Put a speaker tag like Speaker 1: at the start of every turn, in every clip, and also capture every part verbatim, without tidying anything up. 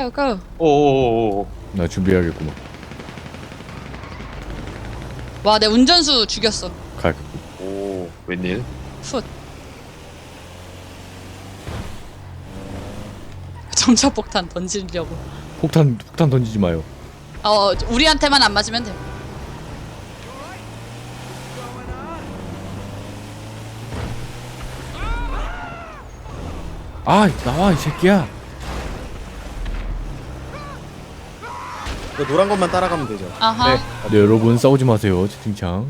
Speaker 1: go go.
Speaker 2: 오오오오.
Speaker 3: 나 준비해야겠구만.
Speaker 1: 와, 내 운전수 죽였어.
Speaker 3: 가야겠고.
Speaker 2: 오, 웬일?
Speaker 1: 훗. 점차폭탄 던지려고.
Speaker 3: 폭탄 폭탄 던지지 마요.
Speaker 1: 어, 우리한테만 안 맞으면 돼.
Speaker 3: 아 나와 이 새끼야.
Speaker 4: 그 노란 것만 따라가면 되죠.
Speaker 1: 아하.
Speaker 2: 네.
Speaker 3: 네 여러분 싸우지 마세요 채팅창.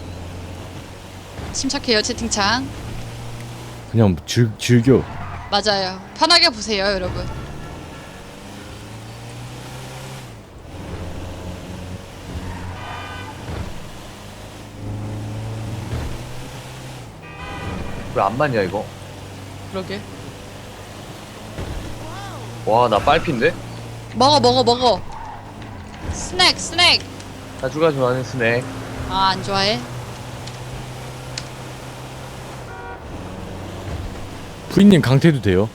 Speaker 1: 침착해요, 채팅창.
Speaker 3: 그냥 즐 즐겨.
Speaker 1: 맞아요. 편하게 보세요, 여러분.
Speaker 2: 왜 안 맞냐 이거?
Speaker 1: 그러게.
Speaker 2: 와, 나 빨핀데?
Speaker 1: 먹어, 먹어, 먹어. 스낵, 스낵.
Speaker 2: 자주가 좋아하는 스낵.
Speaker 1: 아, 안 좋아해?
Speaker 3: 프리님 강퇴도 돼요.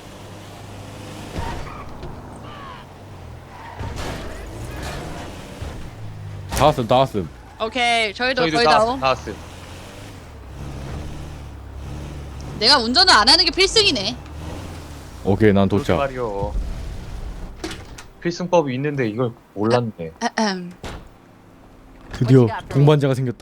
Speaker 3: 다 왔음 다 왔음.
Speaker 1: 오케이, 저희도,
Speaker 2: 저희도
Speaker 1: 거의
Speaker 2: 다,
Speaker 1: 다.
Speaker 2: 다 왔음.
Speaker 1: 내가 운전을 안 하는 게 필승이네.
Speaker 3: 오케이 난
Speaker 2: 그렇게
Speaker 3: 도착.
Speaker 2: 말이요. 필승법이 있는데 이걸 몰랐네.
Speaker 1: 아흠.
Speaker 3: 드디어 동반자가 생겼다.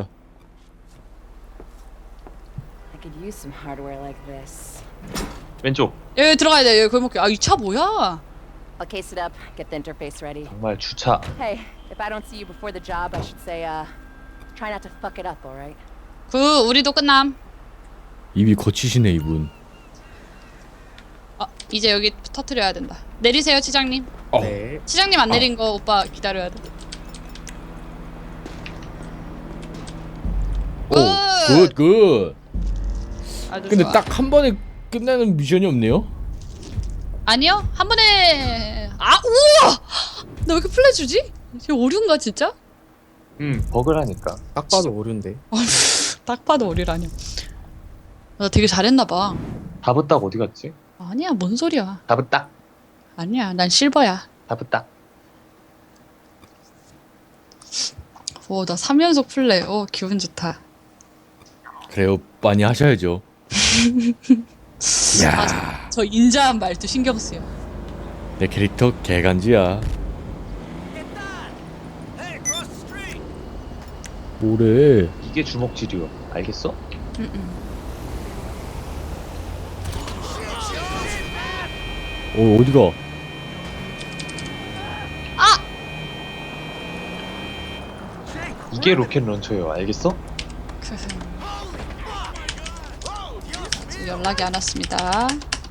Speaker 5: I could use some hardware like this.
Speaker 2: 왼쪽.
Speaker 1: 여기 들어가야 돼. 여기 골목길. 아, 이 차 뭐야?
Speaker 5: I'll case it up, get the interface ready.
Speaker 2: 정말 주차.
Speaker 5: Hey, if I don't see you before the job, I should say, uh, try not to fuck it up, alright?
Speaker 1: 그 우리도 끝남.
Speaker 3: 입이 거치시네 이분.
Speaker 1: 아, 이제 여기 터트려야 된다. 내리세요, 치장님.
Speaker 3: 어.
Speaker 4: 네.
Speaker 1: 치장님 안 내린 거 오빠 기다려야 돼.
Speaker 3: 오, 굿, 굿.
Speaker 1: 아주
Speaker 3: 근데
Speaker 1: 좋아.
Speaker 3: 딱 한 번에 끝나는 미션이 없네요.
Speaker 1: 아니요, 한 번에. 아, 우와! 나 왜 이렇게 플레 주지? 이게 오류인가 진짜?
Speaker 2: 음, 버그라니까.
Speaker 4: 딱 봐도 오류인데.
Speaker 1: 딱 봐도 오류라뇨. 나 되게 잘했나 봐.
Speaker 2: 다브딱 어디 갔지?
Speaker 1: 아니야, 뭔 소리야?
Speaker 2: 다브딱.
Speaker 1: 아니야, 난 실버야.
Speaker 2: 다브딱.
Speaker 1: 오, 나 삼 연속 플레이. 오, 기분 좋다.
Speaker 3: 그래요, 많이 하셔야죠. 야,
Speaker 1: 저 인자한 말도 신경 쓰여.
Speaker 3: 내 캐릭터 개간지야. 뭐래?
Speaker 2: 이게 주먹질이요. 알겠어?
Speaker 1: 응응.
Speaker 3: 어 어디가?
Speaker 1: 아!
Speaker 2: 이게 로켓 런처예요. 알겠어?
Speaker 1: 지금 연락이 안 왔습니다.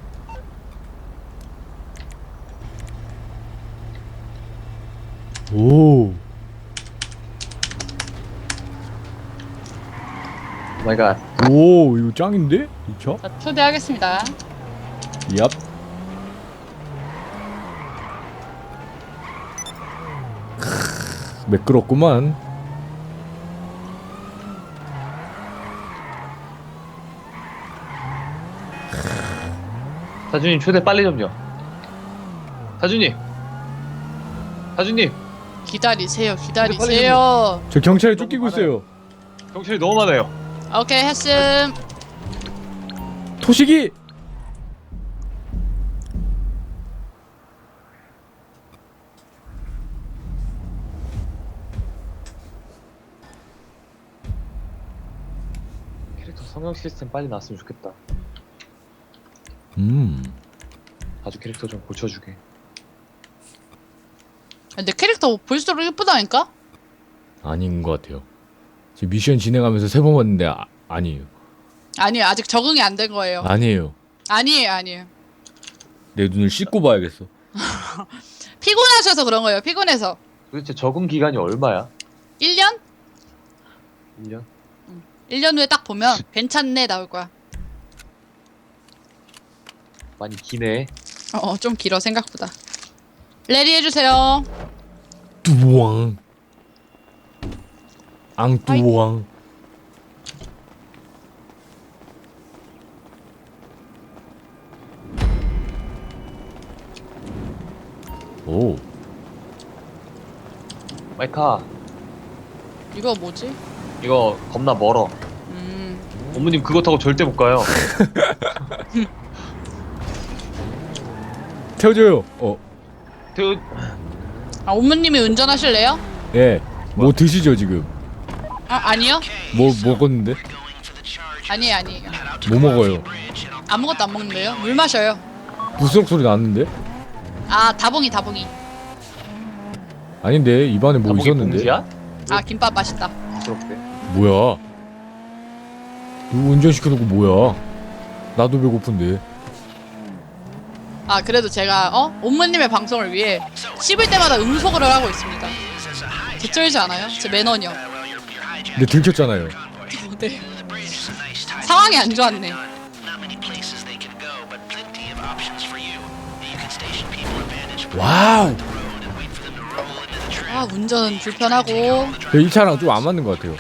Speaker 3: 오,
Speaker 2: 마이 갓.
Speaker 3: 오 이거 짱인데? 이 차?
Speaker 1: 자, 초대하겠습니다.
Speaker 3: 얍. 크, 매끄럽구만.
Speaker 2: 사주님 초대 빨리 좀요. 사주님. 사주님.
Speaker 1: 기다리세요, 기다리세요.
Speaker 3: 저 경찰에
Speaker 2: 너무
Speaker 3: 쫓기고
Speaker 2: 많아요.
Speaker 3: 있어요.
Speaker 2: 경찰이 너무 많아요.
Speaker 1: 오케이, 했음.
Speaker 3: 토식이.
Speaker 2: 캐릭터 성형 시스템 빨리 나왔으면 좋겠다.
Speaker 3: 음.
Speaker 2: 아주 캐릭터 좀 고쳐주게.
Speaker 1: 내 캐릭터 볼수록 예쁘다니까?
Speaker 3: 아닌 것 같아요. 지금 미션 진행하면서 세 번 봤는데 아, 아니에요.
Speaker 1: 아니요, 아직 적응이 안 된 거예요.
Speaker 3: 아니에요.
Speaker 1: 아니에요, 아니에요.
Speaker 3: 내 눈을 씻고 봐야겠어.
Speaker 1: 피곤하셔서 그런 거예요, 피곤해서.
Speaker 2: 도대체 적응 기간이 얼마야?
Speaker 1: 일 년?
Speaker 2: 일 년?
Speaker 1: 일 년 후에 딱 보면 괜찮네 나올 거야.
Speaker 2: 많이 기네.
Speaker 1: 어, 좀 길어 생각보다. 레디 해주세요.
Speaker 3: 뚜왕. 앙뚜왕. 오.
Speaker 2: 마이카
Speaker 1: 이거 뭐지?
Speaker 2: 이거 겁나 멀어.
Speaker 1: 음.
Speaker 2: 어머님 그거 타고 절대 못 가요.
Speaker 3: 태워줘요. 어,
Speaker 2: 태우
Speaker 1: 아, 옴무님이 운전하실래요?
Speaker 3: 예. 뭐 드시죠 지금?
Speaker 1: 아, 아니요.
Speaker 3: 뭐 먹었는데?
Speaker 1: 아니에요, 아니에요.
Speaker 3: 뭐 먹어요?
Speaker 1: 아무것도 안 먹는데요? 물 마셔요.
Speaker 3: 부스럭 소리 났는데?
Speaker 1: 아, 다봉이, 다봉이.
Speaker 3: 아닌데 입안에 뭐
Speaker 2: 다목이
Speaker 3: 있었는데?
Speaker 2: 봉지야?
Speaker 1: 아, 김밥 맛있다.
Speaker 2: 부끄럽대.
Speaker 3: 뭐야? 누구 운전시켜놓고 뭐야? 나도 배고픈데.
Speaker 1: 아, 그래도 제가, 어? 옴무님의 방송을 위해 씹을 때마다 음소거를 하고 있습니다. 개쩔지 않아요? 제 매너녀.
Speaker 3: 근데 들켰잖아요.
Speaker 1: 네. 상황이 안 좋았네.
Speaker 3: 와우.
Speaker 1: 아, 운전 불편하고.
Speaker 3: 이 차랑 좀 안 맞는 것 같아요.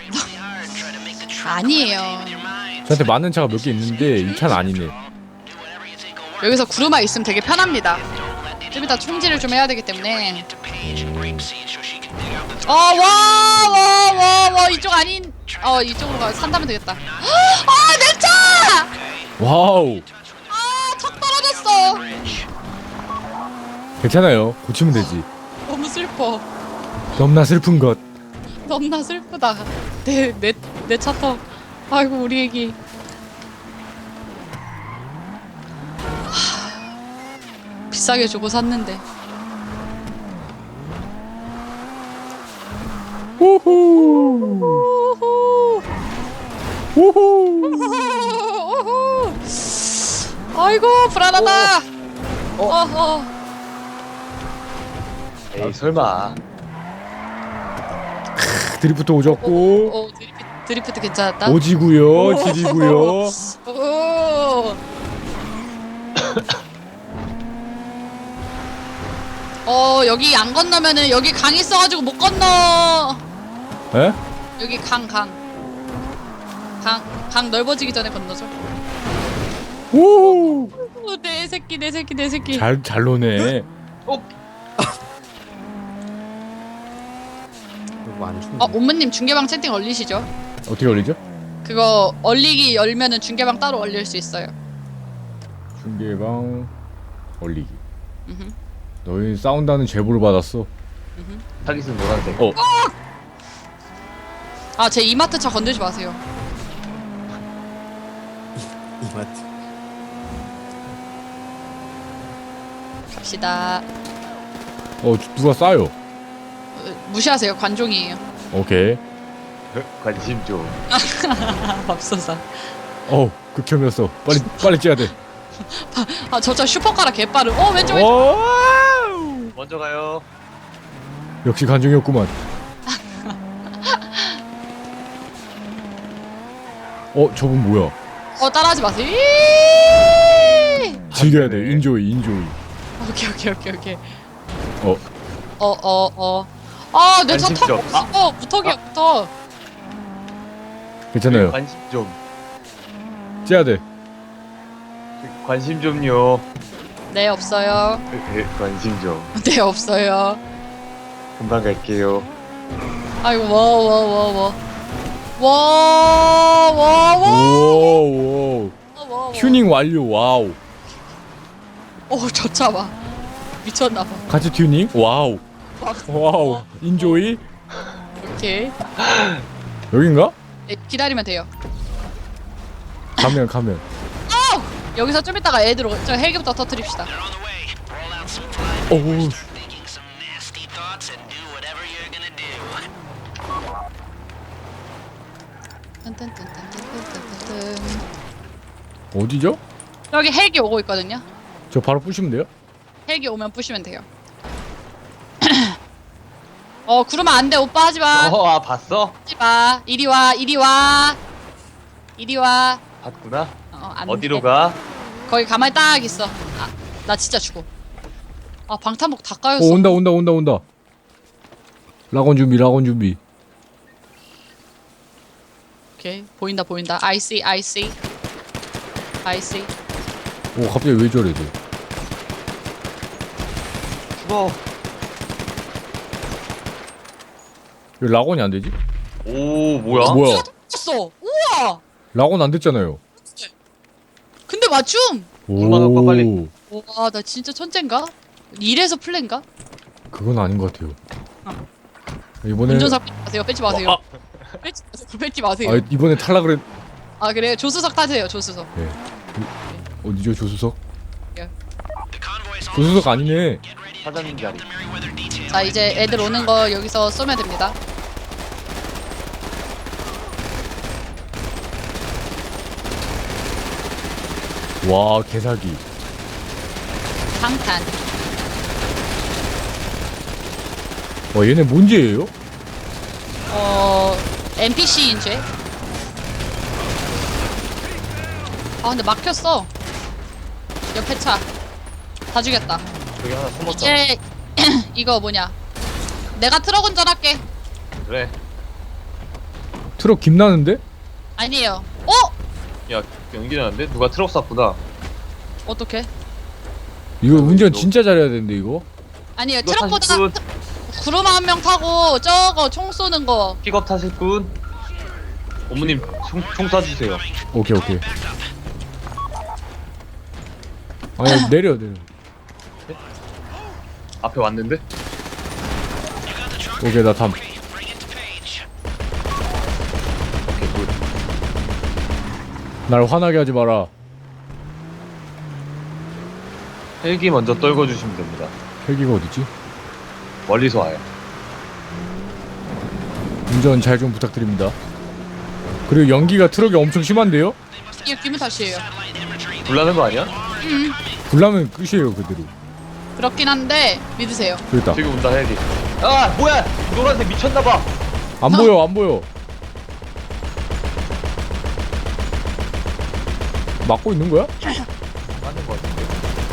Speaker 1: 아니에요.
Speaker 3: 저한테 맞는 차가 몇 개 있는데 이 차는 아니네.
Speaker 1: 여기서 구루마 있으면 되게 편합니다. 좀 이따 총질을 좀 해야 되기 때문에. 어, 와, 와, 와, 와, 이쪽 아닌. 어, 이쪽으로 가 산다면 되겠다. 아, 내 차!
Speaker 3: 와우.
Speaker 1: 아, 턱 떨어졌어.
Speaker 3: 괜찮아요. 고치면 되지.
Speaker 1: 너무 슬퍼.
Speaker 3: 너무나 슬픈 것.
Speaker 1: 너무나 슬프다. 내, 내, 내 차 턱. 아이고, 우리 애기. 하, 비싸게 주고 샀는데.
Speaker 3: 우후.
Speaker 1: 우후.
Speaker 3: 우후.
Speaker 1: 우후. 아이고, 불안하다.
Speaker 2: 어.
Speaker 1: 어, 어.
Speaker 2: 에이 설마.
Speaker 3: 드리프트 오졌고
Speaker 1: 어, 드리프트, 드리프트 괜찮았다.
Speaker 3: 오지구요, 지리구요.
Speaker 1: 오. 어, 여기 안 건너면은 여기 강 있어가지고 못 건너.
Speaker 3: 에?
Speaker 1: 여기 강, 강. 강, 강 넓어지기 전에 건너죠.
Speaker 3: 오.
Speaker 1: 오, 내 새끼, 내 새끼, 내 새끼.
Speaker 3: 잘, 잘 노네.
Speaker 4: 이거 안 춥네.
Speaker 1: 어, 옴무님 중계방 채팅 얼리시죠?
Speaker 3: 어떻게 올리죠?
Speaker 1: 그거 얼리기 열면은 중계방 따로 얼릴 수 있어요.
Speaker 3: 중계방 올리기.
Speaker 1: 음흠.
Speaker 3: 너희 싸운다는 제보를 받았어.
Speaker 2: 타깃은 노란색.
Speaker 3: 어.
Speaker 1: 아, 제 이마트 차 건들지 마세요.
Speaker 4: 이마트.
Speaker 1: 갑시다.
Speaker 3: 어, 누가 싸요?
Speaker 1: 어, 무시하세요. 관종이에요.
Speaker 3: 오케이.
Speaker 2: 관심 좀.
Speaker 1: 맙소사.
Speaker 3: 어, 극혐이었어. 빨리, 빨리 찌야 돼.
Speaker 1: 아, 저 차 슈퍼카라 개빠르. 어, 왼쪽, 왼쪽.
Speaker 3: 오!
Speaker 2: 먼저 가요.
Speaker 3: 역시 간종이었구만. 어, 저분 뭐야?
Speaker 1: 어, 따라하지 마세요. 이이이이.
Speaker 3: 즐겨야 돼.
Speaker 2: 네.
Speaker 3: 인조이, 인조이.
Speaker 1: 오케이, 오케이, 오케이, 오케이.
Speaker 3: 어,
Speaker 1: 어, 어, 어. 아, 내 차 턱
Speaker 2: 관심적.
Speaker 1: 없어. 무턱이야, 무턱.
Speaker 3: 괜찮아요.
Speaker 2: 관심 좀.
Speaker 3: 찌야 돼.
Speaker 2: 관심 좀요.
Speaker 1: 네, 없어요.
Speaker 2: 에, 에, 관심 좀.
Speaker 1: 네, 없어요.
Speaker 2: 금방 갈게요.
Speaker 1: 아이고, 워, 워, 워, 워. 워, 워, 워.
Speaker 3: 오, 오.
Speaker 1: 워, 워.
Speaker 3: 튜닝 완료. 와우.
Speaker 1: 어, 저 차 봐. 미쳤나봐.
Speaker 3: 같이 튜닝? 와우. 와우. 인조이?
Speaker 1: 오케이.
Speaker 3: 여긴가?
Speaker 1: 네, 기다리면 돼요.
Speaker 3: 가면, 가면.
Speaker 1: 여기서 좀 이따가 애들 오, 저 헬기부터 터뜨립시다.
Speaker 3: 오,
Speaker 1: 딴딴딴딴딴딴딴딴.
Speaker 3: 어디죠?
Speaker 1: 여기 헬기 오고 있거든요.
Speaker 3: 저 바로 부시면 돼요?
Speaker 1: 헬기 오면 부시면 돼요. 어, 구르면 안 돼. 오빠 하지 마.
Speaker 2: 어, 아 봤어?
Speaker 1: 하지 마. 이리 와. 이리 와. 이리 와.
Speaker 2: 봤구나.
Speaker 1: 어, 안
Speaker 2: 어디로
Speaker 1: 돼.
Speaker 2: 가?
Speaker 1: 거기 가만히 딱 있어. 아, 나 진짜 죽어. 아, 방탄복 다 까였어.
Speaker 3: 오, 온다, 온다, 온다, 온다. 락원 준비, 락원 준비.
Speaker 1: 오케이. 보인다, 보인다. I see, I see. I see.
Speaker 3: 오, 갑자기 왜 저래, 쟤.
Speaker 2: 죽어.
Speaker 3: 왜 락온이 안 되지?
Speaker 2: 오 뭐야?
Speaker 3: 뭐야?
Speaker 1: 어 우와.
Speaker 3: 락온 안 됐잖아요.
Speaker 1: 근데 맞춤.
Speaker 2: 엄마 갖고 와, 빨리.
Speaker 1: 와 나 진짜 천재인가? 이래서 플랜가?
Speaker 3: 그건 아닌 것 같아요.
Speaker 1: 어.
Speaker 3: 이번에
Speaker 1: 운전사 빼지 마세요. 빼지 마세요.
Speaker 3: 아,
Speaker 1: 빼지 마세요. 빼지 마세요.
Speaker 3: 아 이번에 탈락을 했.
Speaker 1: 아 그래요? 조수석 타세요. 조수석.
Speaker 3: 네. 어디죠 조수석?
Speaker 1: 예.
Speaker 3: 조수석 아니네.
Speaker 2: 사장님 자리.
Speaker 1: 자 이제 애들 오는 거 여기서 쏘면 됩니다.
Speaker 3: 와 개사기.
Speaker 1: 방탄.
Speaker 3: 와 얘네 뭔지예요?
Speaker 1: 어 엔피씨인 죄. 아 근데 막혔어. 옆에 차. 다 죽였다.
Speaker 2: 여기 하나 숨었다.
Speaker 1: 이제 이거 뭐냐? 내가 트럭 운전할게.
Speaker 2: 그래.
Speaker 3: 트럭 김 나는데?
Speaker 1: 아니에요. 어?
Speaker 2: 야 연기 나는데 누가 트럭 쐈구나.
Speaker 1: 어떻게?
Speaker 3: 이거
Speaker 2: 아,
Speaker 3: 운전
Speaker 2: 이거-
Speaker 3: 진짜 잘해야 되는데 이거?
Speaker 1: 아니에요.
Speaker 2: 이거
Speaker 1: 트럭보다
Speaker 2: 사실
Speaker 1: 구름 한 명 타고 저거 총 쏘는 거.
Speaker 2: 픽업 타실 분. 어머님 총, 총 쏴주세요.
Speaker 3: 오케이 오케이. 아니 내려 내려.
Speaker 2: 앞에 왔는데?
Speaker 3: 오케이 나 담.
Speaker 2: 오케이 굿.
Speaker 3: 날 화나게 하지 마라.
Speaker 2: 헬기 먼저 떨궈주시면 됩니다.
Speaker 3: 헬기가 어디지?
Speaker 2: 멀리서 와요.
Speaker 3: 운전 잘 좀 부탁드립니다. 그리고 연기가 트럭이 엄청 심한데요?
Speaker 1: 이게 기분 탓이에요.
Speaker 2: 불나는 거 아니야?
Speaker 1: 음
Speaker 3: 불나면 끝이에요 그대로.
Speaker 1: 그렇긴 한데 믿으세요.
Speaker 3: 그랬다.
Speaker 2: 지금 온다 헬기. 아 뭐야! 노란색 미쳤나봐.
Speaker 3: 안 보여 안 보여. 막고 있는 거야?
Speaker 2: 맞는 거 같은데.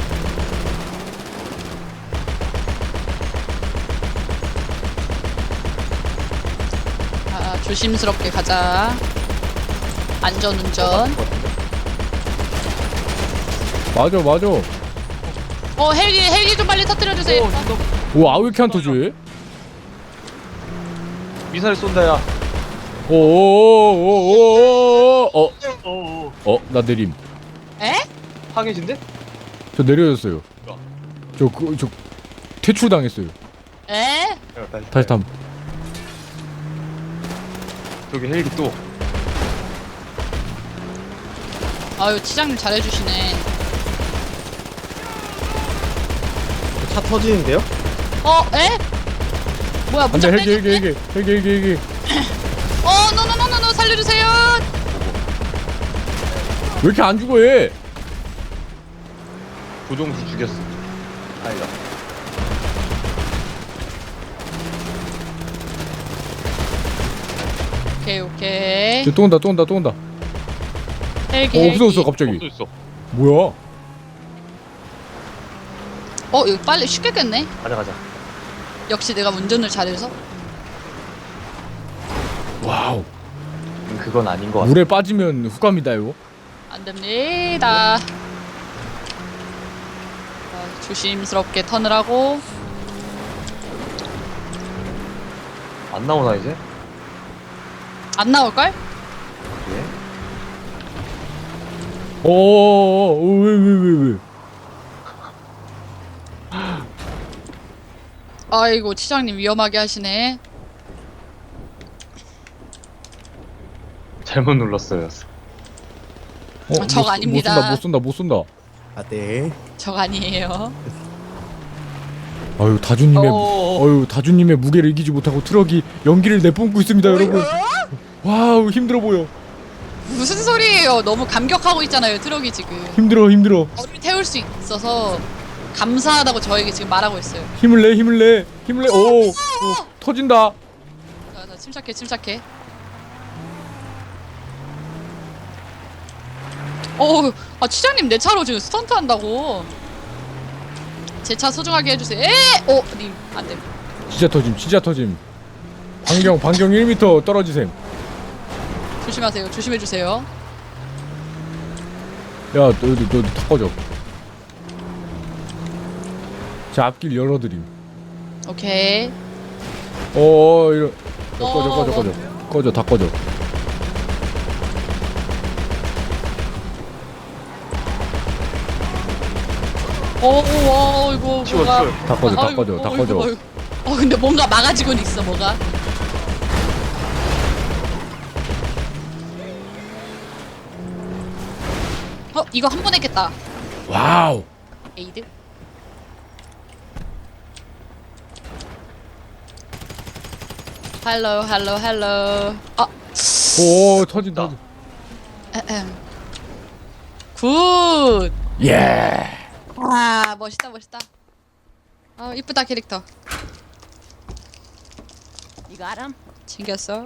Speaker 1: 아, 조심스럽게 가자. 안전운전.
Speaker 3: 맞아 맞아.
Speaker 1: 어 헬기 헬기 좀 빨리 터뜨려 주세요.
Speaker 3: 오 아 왜 이렇게 안 터지?
Speaker 2: 미사일 쏜다 야.
Speaker 3: 오오오오오오 어?
Speaker 2: 어어.
Speaker 3: 어? 나 내림.
Speaker 1: 에?
Speaker 2: 파괴진데?
Speaker 3: 저 내려졌어요.
Speaker 2: 어.
Speaker 3: 저 그 저 퇴출 당했어요.
Speaker 1: 에?
Speaker 3: 다시 탐.
Speaker 2: 저기 헬기 또.
Speaker 1: 아유 치장님 잘해주시네.
Speaker 4: 차 터지는데요?
Speaker 1: 어 에? 뭐야
Speaker 3: 안돼
Speaker 1: 문짝
Speaker 3: 헬기 헬기
Speaker 1: 빼는데?
Speaker 3: 헬기 헬기 헬기 헬기.
Speaker 1: 어 노노노노노 살려주세요.
Speaker 3: 왜 이렇게 안 죽어 얘?
Speaker 2: 조종수 죽였어. 아니다.
Speaker 1: 오케이 오케이.
Speaker 3: 저 또 온다 또 온다 또 온다.
Speaker 1: 헬기
Speaker 3: 어
Speaker 1: 헬기.
Speaker 3: 없어졌어 갑자기.
Speaker 2: 없어졌어.
Speaker 3: 뭐야?
Speaker 1: 어 이거 빨리 쉽게 깼네.
Speaker 2: 가자 가자.
Speaker 1: 역시 내가 운전을 잘해서.
Speaker 3: 와우.
Speaker 2: 음, 그건 아닌 거 같아.
Speaker 3: 물에 빠지면 후감이다 이거.
Speaker 1: 안 됩니다. 자, 조심스럽게 턴을 하고.
Speaker 2: 안 나오나 이제?
Speaker 1: 안 나올걸?
Speaker 2: 예?
Speaker 3: 어어어왜왜 왜 왜?
Speaker 1: 아이고 치장님 위험하게 하시네.
Speaker 2: 잘못 눌렀어요.
Speaker 3: 어,
Speaker 1: 적
Speaker 3: 못 쏘-
Speaker 1: 아닙니다.
Speaker 3: 못 쏜다 못 쏜다 못 쏜다.
Speaker 4: 아 네.
Speaker 1: 적 아니에요.
Speaker 3: 아유 다주님의
Speaker 2: 어어어.
Speaker 3: 어유 다주님의 무게를 이기지 못하고 트럭이 연기를 내뿜고 있습니다 여러분. 와우 힘들어 보여.
Speaker 1: 무슨 소리예요? 너무 감격하고 있잖아요 트럭이 지금.
Speaker 3: 힘들어 힘들어.
Speaker 1: 저를 태울 수 있어서 감사하다고 저에게 지금 말하고 있어요.
Speaker 3: 힘을 내 힘을 내 힘을 내. 오, 오 터진다.
Speaker 1: 자, 자 침착해 침착해. 어, 아 치장님 내 차로 지금 스턴트 한다고. 제 차 소중하게 해주세요. 에, 어, 님 안돼.
Speaker 3: 진짜 터짐 진짜 터짐. 반경 반경 일 미터 떨어지셈.
Speaker 1: 조심하세요. 조심해 주세요.
Speaker 3: 야 너너너 다 꺼져. 자 앞길 열어드림.
Speaker 1: 오케이.
Speaker 3: 어 이런 꺼져 꺼져 꺼져 꺼져 다 꺼져.
Speaker 1: 어어 이거
Speaker 2: 치워
Speaker 1: 뭐가
Speaker 2: 치워.
Speaker 3: 다 꺼져 다
Speaker 1: 아이고,
Speaker 3: 꺼져 다
Speaker 1: 어이구,
Speaker 3: 꺼져.
Speaker 1: 어이구. 어 근데 뭔가 막아지고는 있어 뭐가. 어 이거 한 번 했겠다.
Speaker 3: 와우.
Speaker 1: 에이드. 헬로 헬로 헬로. 아
Speaker 3: 오 터진 터진.
Speaker 1: 에헴. 굿.
Speaker 3: 예.
Speaker 1: 와 멋있다 멋있다. 아 이쁘다 캐릭터.
Speaker 5: You got him?
Speaker 1: 챙겼어.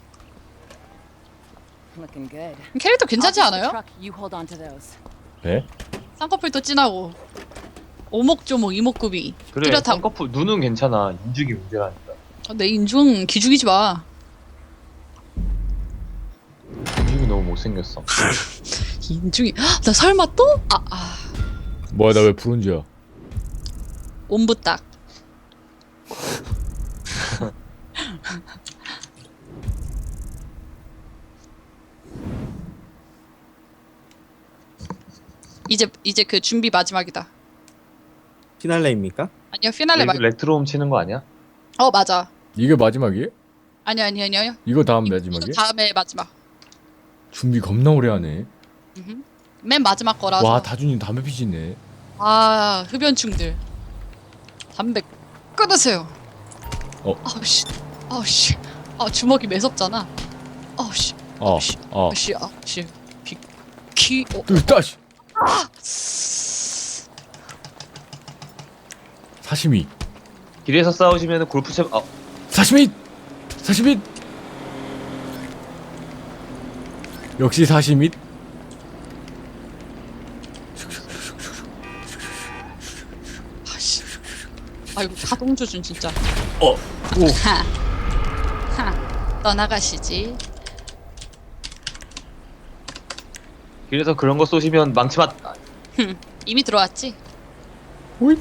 Speaker 5: Looking good.
Speaker 1: 캐릭터 괜찮지
Speaker 5: I'll take the
Speaker 1: 않아요?
Speaker 5: truck, you hold on to those.
Speaker 3: 네?
Speaker 1: 쌍꺼풀도 진하고 오목조목 이목구비
Speaker 2: 그래.
Speaker 1: 뚜렷하고.
Speaker 2: 쌍꺼풀 눈은 괜찮아. 인중이 문제라니까.
Speaker 1: 어, 내 인중 기죽이지 마.
Speaker 2: 인중이 너무 못생겼어.
Speaker 1: 인중이 헉, 나 설마 또? 아, 아
Speaker 3: 뭐야 나 왜 브론즈야?
Speaker 1: 옴부딱. 이제 이제 그 준비 마지막이다.
Speaker 4: 피날레입니까?
Speaker 1: 아니요 피날레
Speaker 2: 여기
Speaker 1: 말.
Speaker 2: 레트로홈 치는 거 아니야?
Speaker 1: 어 맞아.
Speaker 3: 이게 마지막이에요?
Speaker 1: 아니 아니 아니요.
Speaker 3: 이거 다음
Speaker 1: 이거
Speaker 3: 마지막이에요?
Speaker 1: 다음에 마지막.
Speaker 3: 준비 겁나 오래 하네.
Speaker 1: 음흠. 맨 마지막 거라서.
Speaker 3: 와 다준이 담배 피시네.
Speaker 1: 아 흡연충들. 담배 끊으세요.
Speaker 3: 어.
Speaker 1: 아우씨 아우씨 아 주먹이 매섭잖아. 아우씨
Speaker 3: 어.
Speaker 1: 아우씨
Speaker 3: 어.
Speaker 1: 아우씨 아우씨 비키 어.
Speaker 3: 뜨다시. 사시미.
Speaker 2: 길에서 싸우시면 골프채. 아,
Speaker 3: 사시미. 사시미. 역시 사시미.
Speaker 1: 아씨 아이고 가동조준 진짜.
Speaker 3: 어. 오.
Speaker 1: 하. 하. 떠나가시지.
Speaker 2: 길에서 그런 거 쏘시면 망치 맞. 아,
Speaker 1: 흠, 이미 들어왔지?
Speaker 3: 오이.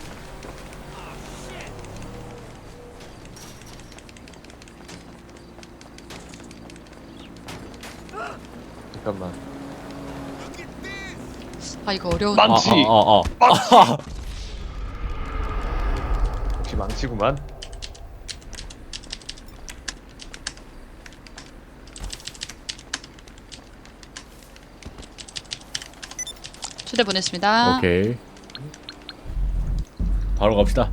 Speaker 2: 잠깐만.
Speaker 1: 아 이거 어려운.
Speaker 2: 망치.
Speaker 3: 아, 아, 아, 아.
Speaker 2: 역시 망치구만.
Speaker 1: 초대 보냈습니다.
Speaker 3: 오케이. 바로 갑시다.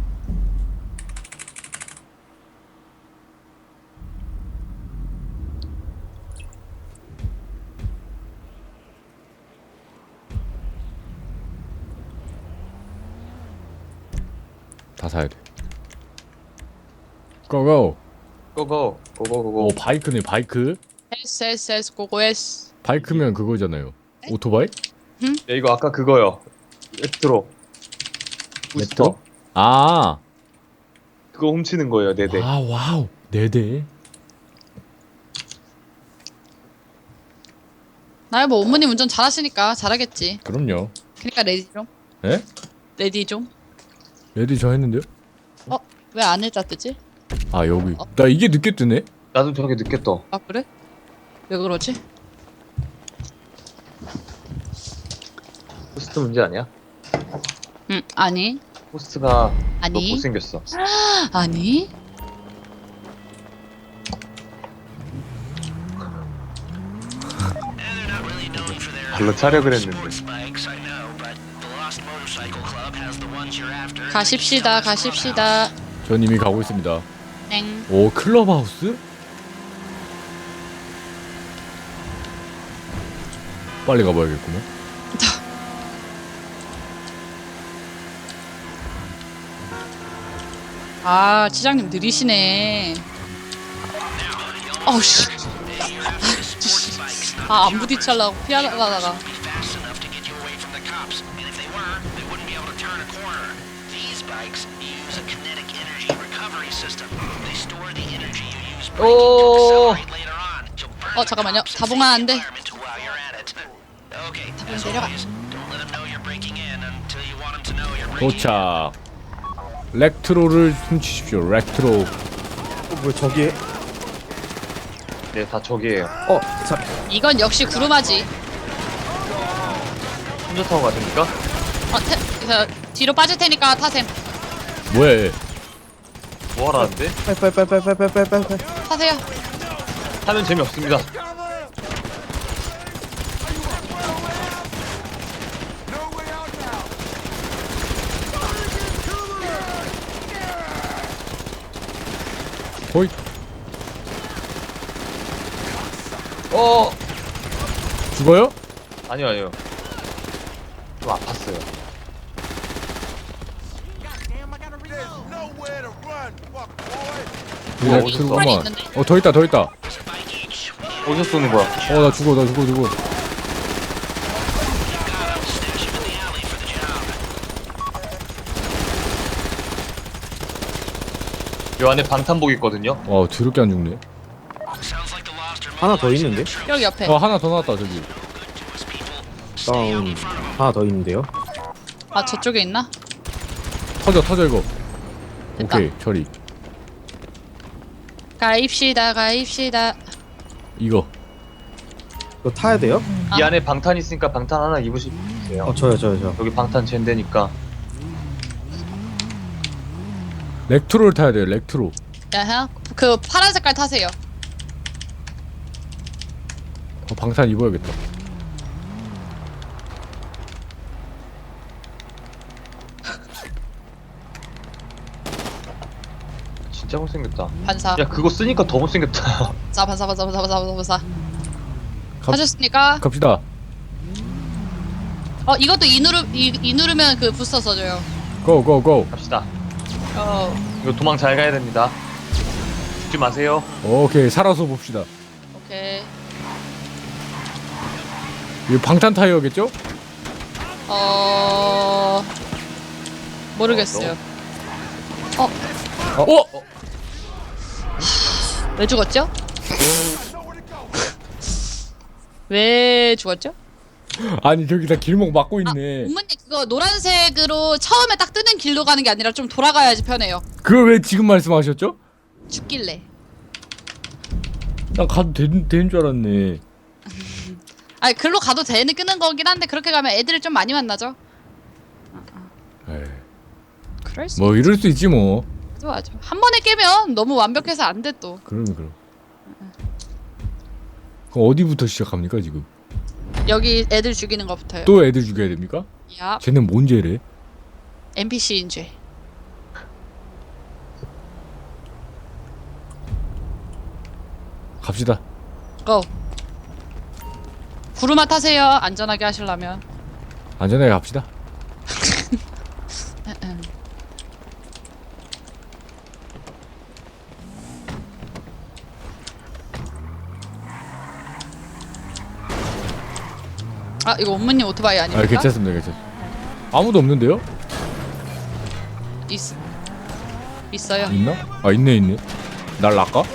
Speaker 3: 다 사야 돼. 고고.
Speaker 2: 고고 고고 고고.
Speaker 3: 오 바이크네 바이크.
Speaker 1: S S S 고고 S.
Speaker 3: 바이크면 그거잖아요. 오토바이?
Speaker 2: 야 이거 아까 그거요. 레트로. 부스터.
Speaker 3: 레트로? 아.
Speaker 2: 그거 훔치는 거예요. 네네.
Speaker 3: 아 와우. 네 대.
Speaker 1: 나야 뭐 어머님 운전 잘하시니까 잘하겠지.
Speaker 3: 그럼요.
Speaker 1: 그러니까 레디 좀.
Speaker 3: 에?
Speaker 1: 레디 좀.
Speaker 3: 레디 저 했는데요?
Speaker 1: 어? 왜 안 했다 뜨지?
Speaker 3: 아 여기. 나 이게 늦게 뜨네.
Speaker 2: 나도 저게 늦게 떠.
Speaker 1: 아 그래? 왜 그러지?
Speaker 2: 호스트 문제 아니야?
Speaker 1: 응 아니
Speaker 2: 호스트가
Speaker 1: 아니.
Speaker 2: 너무 못생겼어.
Speaker 1: 아니
Speaker 2: 발로 차려을 했는데.
Speaker 1: 가십시다 가십시다.
Speaker 3: 전 이미 가고 있습니다.
Speaker 1: 땡.
Speaker 3: 오 클럽하우스? 빨리 가봐야겠구만.
Speaker 1: 아 지장님 느리시네. 어우씨. 아 안 부딪히려고 피하다가.
Speaker 2: 오.
Speaker 1: 어 잠깐만요. 다봉아 안 돼. 다봉 내려가.
Speaker 3: 도착. 렉트로를 훔치십시오. 렉트로.
Speaker 4: 어, 뭐야 저기에
Speaker 2: 네, 다 저기에요.
Speaker 4: 어, 자,
Speaker 1: 이건 역시 구루마지.
Speaker 2: 혼자 타고 가십니까?
Speaker 1: 어, 태, 저, 뒤로 빠질 테니까 타셈.
Speaker 3: 뭐야 얘.
Speaker 2: 뭐 하라는데?
Speaker 4: 빨빨빨빨빨빨빨빨.
Speaker 1: 타세요.
Speaker 2: 타면 재미없습니다.
Speaker 3: 호이.
Speaker 2: 어!
Speaker 3: 죽어요?
Speaker 2: 아니요, 아니요. 좀 아팠어요.
Speaker 3: 그냥
Speaker 2: 어디 있어?
Speaker 3: 들고만.
Speaker 1: 빨리 있는데.
Speaker 3: 어, 더 있다, 더 있다.
Speaker 2: 어디서 쏘는 거야?
Speaker 3: 어, 나 죽어, 나 죽어, 죽어.
Speaker 2: 요 안에 방탄복 있거든요?
Speaker 3: 와, 더럽게 안 죽네.
Speaker 4: 하나 더 있는데?
Speaker 1: 여기 옆에.
Speaker 3: 어, 하나 더 나왔다, 저기.
Speaker 4: 다운. 하나 더 있는데요?
Speaker 1: 아, 저쪽에 있나?
Speaker 3: 터져, 터져, 이거.
Speaker 1: 됐다.
Speaker 3: 오케이, 처리.
Speaker 1: 가입시다, 가입시다.
Speaker 3: 이거.
Speaker 4: 이거 타야 돼요?
Speaker 1: 아.
Speaker 2: 이 안에 방탄 있으니까 방탄 하나 입으시세요.
Speaker 4: 어, 저요, 저요, 저.
Speaker 2: 여기 방탄 젠데니까.
Speaker 3: 렉트로를 타야 돼요, 렉트로.
Speaker 1: 야하. 그 파란 색깔 타세요.
Speaker 3: 어, 방탄 입어야겠다.
Speaker 2: 진짜 못생겼다.
Speaker 1: 반사.
Speaker 2: 야, 그거 쓰니까 더 못생겼다.
Speaker 1: 반사, 반사, 반사, 반사, 반사, 반사.
Speaker 3: 갑-
Speaker 1: 하셨습니까?
Speaker 3: 갑시다.
Speaker 1: 어, 이것도 이 누르 이, 이 누르면 그 부스터 써줘요.
Speaker 3: 고, 고, 고.
Speaker 2: 갑시다.
Speaker 1: 어,
Speaker 2: 이거 도망 잘 가야 됩니다. 죽지 마세요.
Speaker 3: 오케이, 살아서 봅시다.
Speaker 1: 오케이.
Speaker 3: 이거 방탄 타이어겠죠?
Speaker 1: 어, 모르겠어요. 어,
Speaker 3: 어?
Speaker 1: 왜 죽었죠? 왜 죽었죠?
Speaker 3: 아니, 저기 다 길목 막고 있네.
Speaker 1: 어머니 그거 노란색으로 처음에 딱 뜨는 길로 가는 게 아니라 좀 돌아가야지 편해요.
Speaker 3: 그걸 왜 지금 말씀하셨죠?
Speaker 1: 죽길래.
Speaker 3: 난 가도 되, 되는 줄 알았네.
Speaker 1: 아니 글로 가도 되는 끄는 거긴 한데 그렇게 가면 애들을 좀 많이 만나죠.
Speaker 3: 에이,
Speaker 1: 그럴 수
Speaker 3: 뭐 이럴 수 있지 뭐.
Speaker 1: 있죠. 맞아. 한 번에 깨면 너무 완벽해서 안 돼 또.
Speaker 3: 그러면 그럼. 그럼 어디부터 시작합니까 지금?
Speaker 1: 여기 애들 죽이는 것부터요.
Speaker 3: 또 애들 죽여야 됩니까?
Speaker 1: 야,
Speaker 3: 쟤는 뭔 죄래?
Speaker 1: 엔피씨인 죄.
Speaker 3: 갑시다.
Speaker 1: 고. 구루마 타세요. 안전하게 하시려면.
Speaker 3: 안전하게 갑시다.
Speaker 1: 아 이거 엄마님 오토바이 아닙니까?
Speaker 3: 아 괜찮습니다, 괜찮습니다. 아무도 없는데요?
Speaker 1: 있 있어요.
Speaker 3: 있나? 아 있네, 있네. 날 낚아?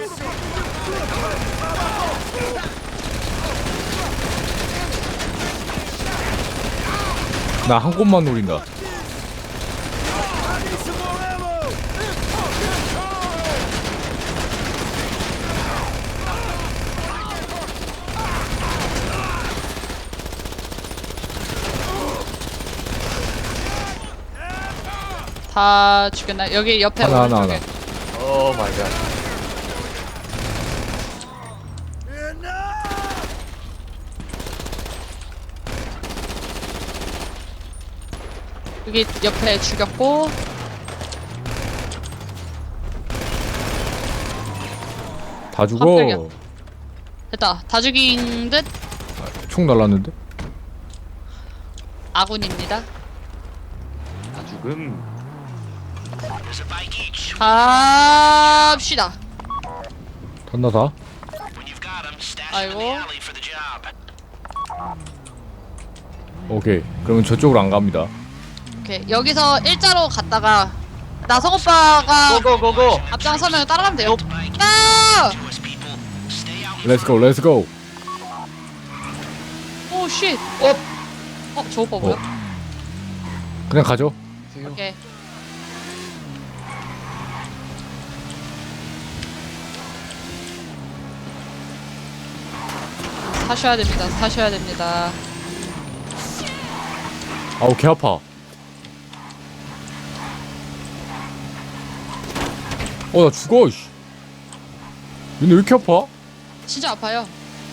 Speaker 3: 나 한 곳만 노린다.
Speaker 1: 다 죽였나? 여기 옆에
Speaker 3: 하나, 하나,
Speaker 1: 오른쪽에.
Speaker 3: 하나.
Speaker 2: 오 마이 갓.
Speaker 1: 여기 옆에 죽였고.
Speaker 3: 다 죽어.
Speaker 1: 깜짝이야. 됐다. 다 죽인 듯
Speaker 3: 총 날랐는데?
Speaker 1: 아군입니다.
Speaker 2: 다 죽음.
Speaker 1: 갑시다.
Speaker 3: 탔나 다?
Speaker 1: 아이고.
Speaker 3: 오케이. 그러면 저쪽으로 안 갑니다.
Speaker 1: 오케이. 여기서 일자로 갔다가 나성 오빠가
Speaker 2: 고고고고.
Speaker 1: 앞장서면 따라가면 돼요. 야!
Speaker 3: 렛츠고, 렛츠고.
Speaker 1: 오 쉣. 어. 어, 저 오빠 뭐야?
Speaker 3: 그냥 가죠.
Speaker 1: 오케이. 타셔야 됩니다. 타셔야 됩니다.
Speaker 3: 아우 개 아파. 어 나 죽어. 씨. 얘네 왜 이렇게 아파?
Speaker 1: 진짜 아파요.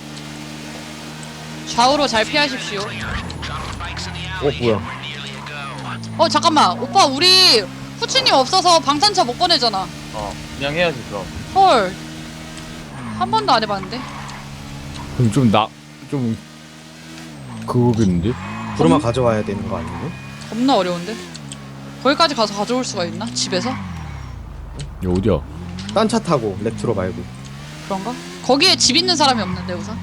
Speaker 1: 좌우로 잘 피하십시오.
Speaker 4: 어 뭐야?
Speaker 1: 어 잠깐만 오빠 우리 후추님 없어서 방탄차 못 꺼내잖아.
Speaker 2: 어 그냥 해야지 그럼.
Speaker 1: 헐. 한 번도 안 해봤는데.
Speaker 3: 그럼 좀 나 좀 그거겠는데?
Speaker 4: 구르마 가져와야 되는 거 아니에요?
Speaker 1: 겁나 어려운데. 거기까지 가서 가져올 수가 있나? 집에서?
Speaker 3: 야 어디야?
Speaker 4: 딴 차 타고 레트로 말고.
Speaker 1: 그런가? 거기에 집 있는 사람이 없는데 우선.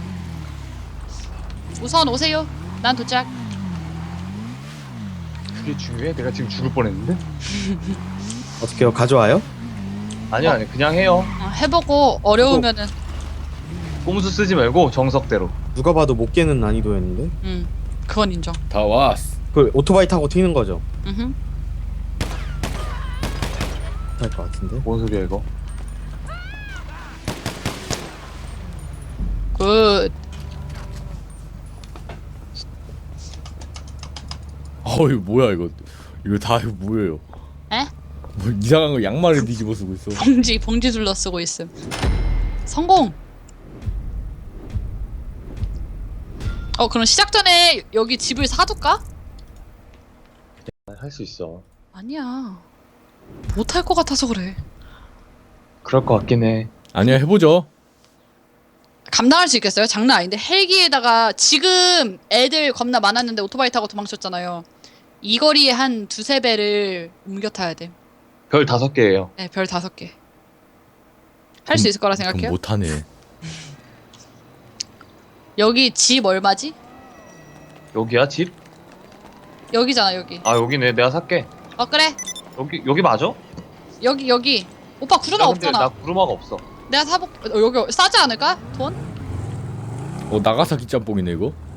Speaker 1: 우선 오세요. 난 도착.
Speaker 2: 그게 중요해? 내가 지금 죽을 뻔했는데?
Speaker 4: 어떻게요? 가져와요?
Speaker 2: 아니요 아니 그냥 해요.
Speaker 1: 어, 해보고 어려우면은
Speaker 2: 꼼수 쓰지 말고 정석대로.
Speaker 4: 누가 봐도 못 깨는 난이도였는데.
Speaker 1: 음 그건 인정.
Speaker 3: 다 왔어.
Speaker 4: 그 오토바이 타고 튀는 거죠?
Speaker 1: 음흠.
Speaker 4: 할 것 같은데.
Speaker 2: 뭔 소리야 이거?
Speaker 1: 굿.
Speaker 3: 어 이거 뭐야 이거? 이거 다 이거 뭐예요?
Speaker 1: 에?
Speaker 3: 뭐 이상한 거 양말을 뒤집어 쓰고 있어.
Speaker 1: 봉지 봉지 둘러 쓰고 있음. 성공. 어 그럼 시작 전에 여기 집을 사둘까?
Speaker 2: 할 수 있어.
Speaker 1: 아니야. 못할 것 같아서 그래.
Speaker 2: 그럴 것 같긴 해.
Speaker 3: 아니야 해보죠.
Speaker 1: 감당할 수 있겠어요? 장난 아닌데 헬기에다가 지금 애들 겁나 많았는데 오토바이 타고 도망쳤잖아요. 이 거리에 한 두세 배를 옮겨 타야 돼.
Speaker 2: 별 다섯 개예요.
Speaker 1: 네, 별 다섯 개. 할 수 있을 거라 생각해요?
Speaker 3: 못하네.
Speaker 1: 여기 집 얼마지?
Speaker 2: 여기야 집?
Speaker 1: 여기잖아 여기.
Speaker 2: 아 여기네. 내가 살게.
Speaker 1: 어 그래.
Speaker 2: 여기 여기 맞아?
Speaker 1: 여기 여기. 오빠 구르마
Speaker 2: 야, 근데
Speaker 1: 없잖아.
Speaker 2: 나 구르마가 없어.
Speaker 1: 내가 사복. 어, 여기 싸지 않을까? 돈?
Speaker 3: 어 나가사키 짬뽕이네 이거.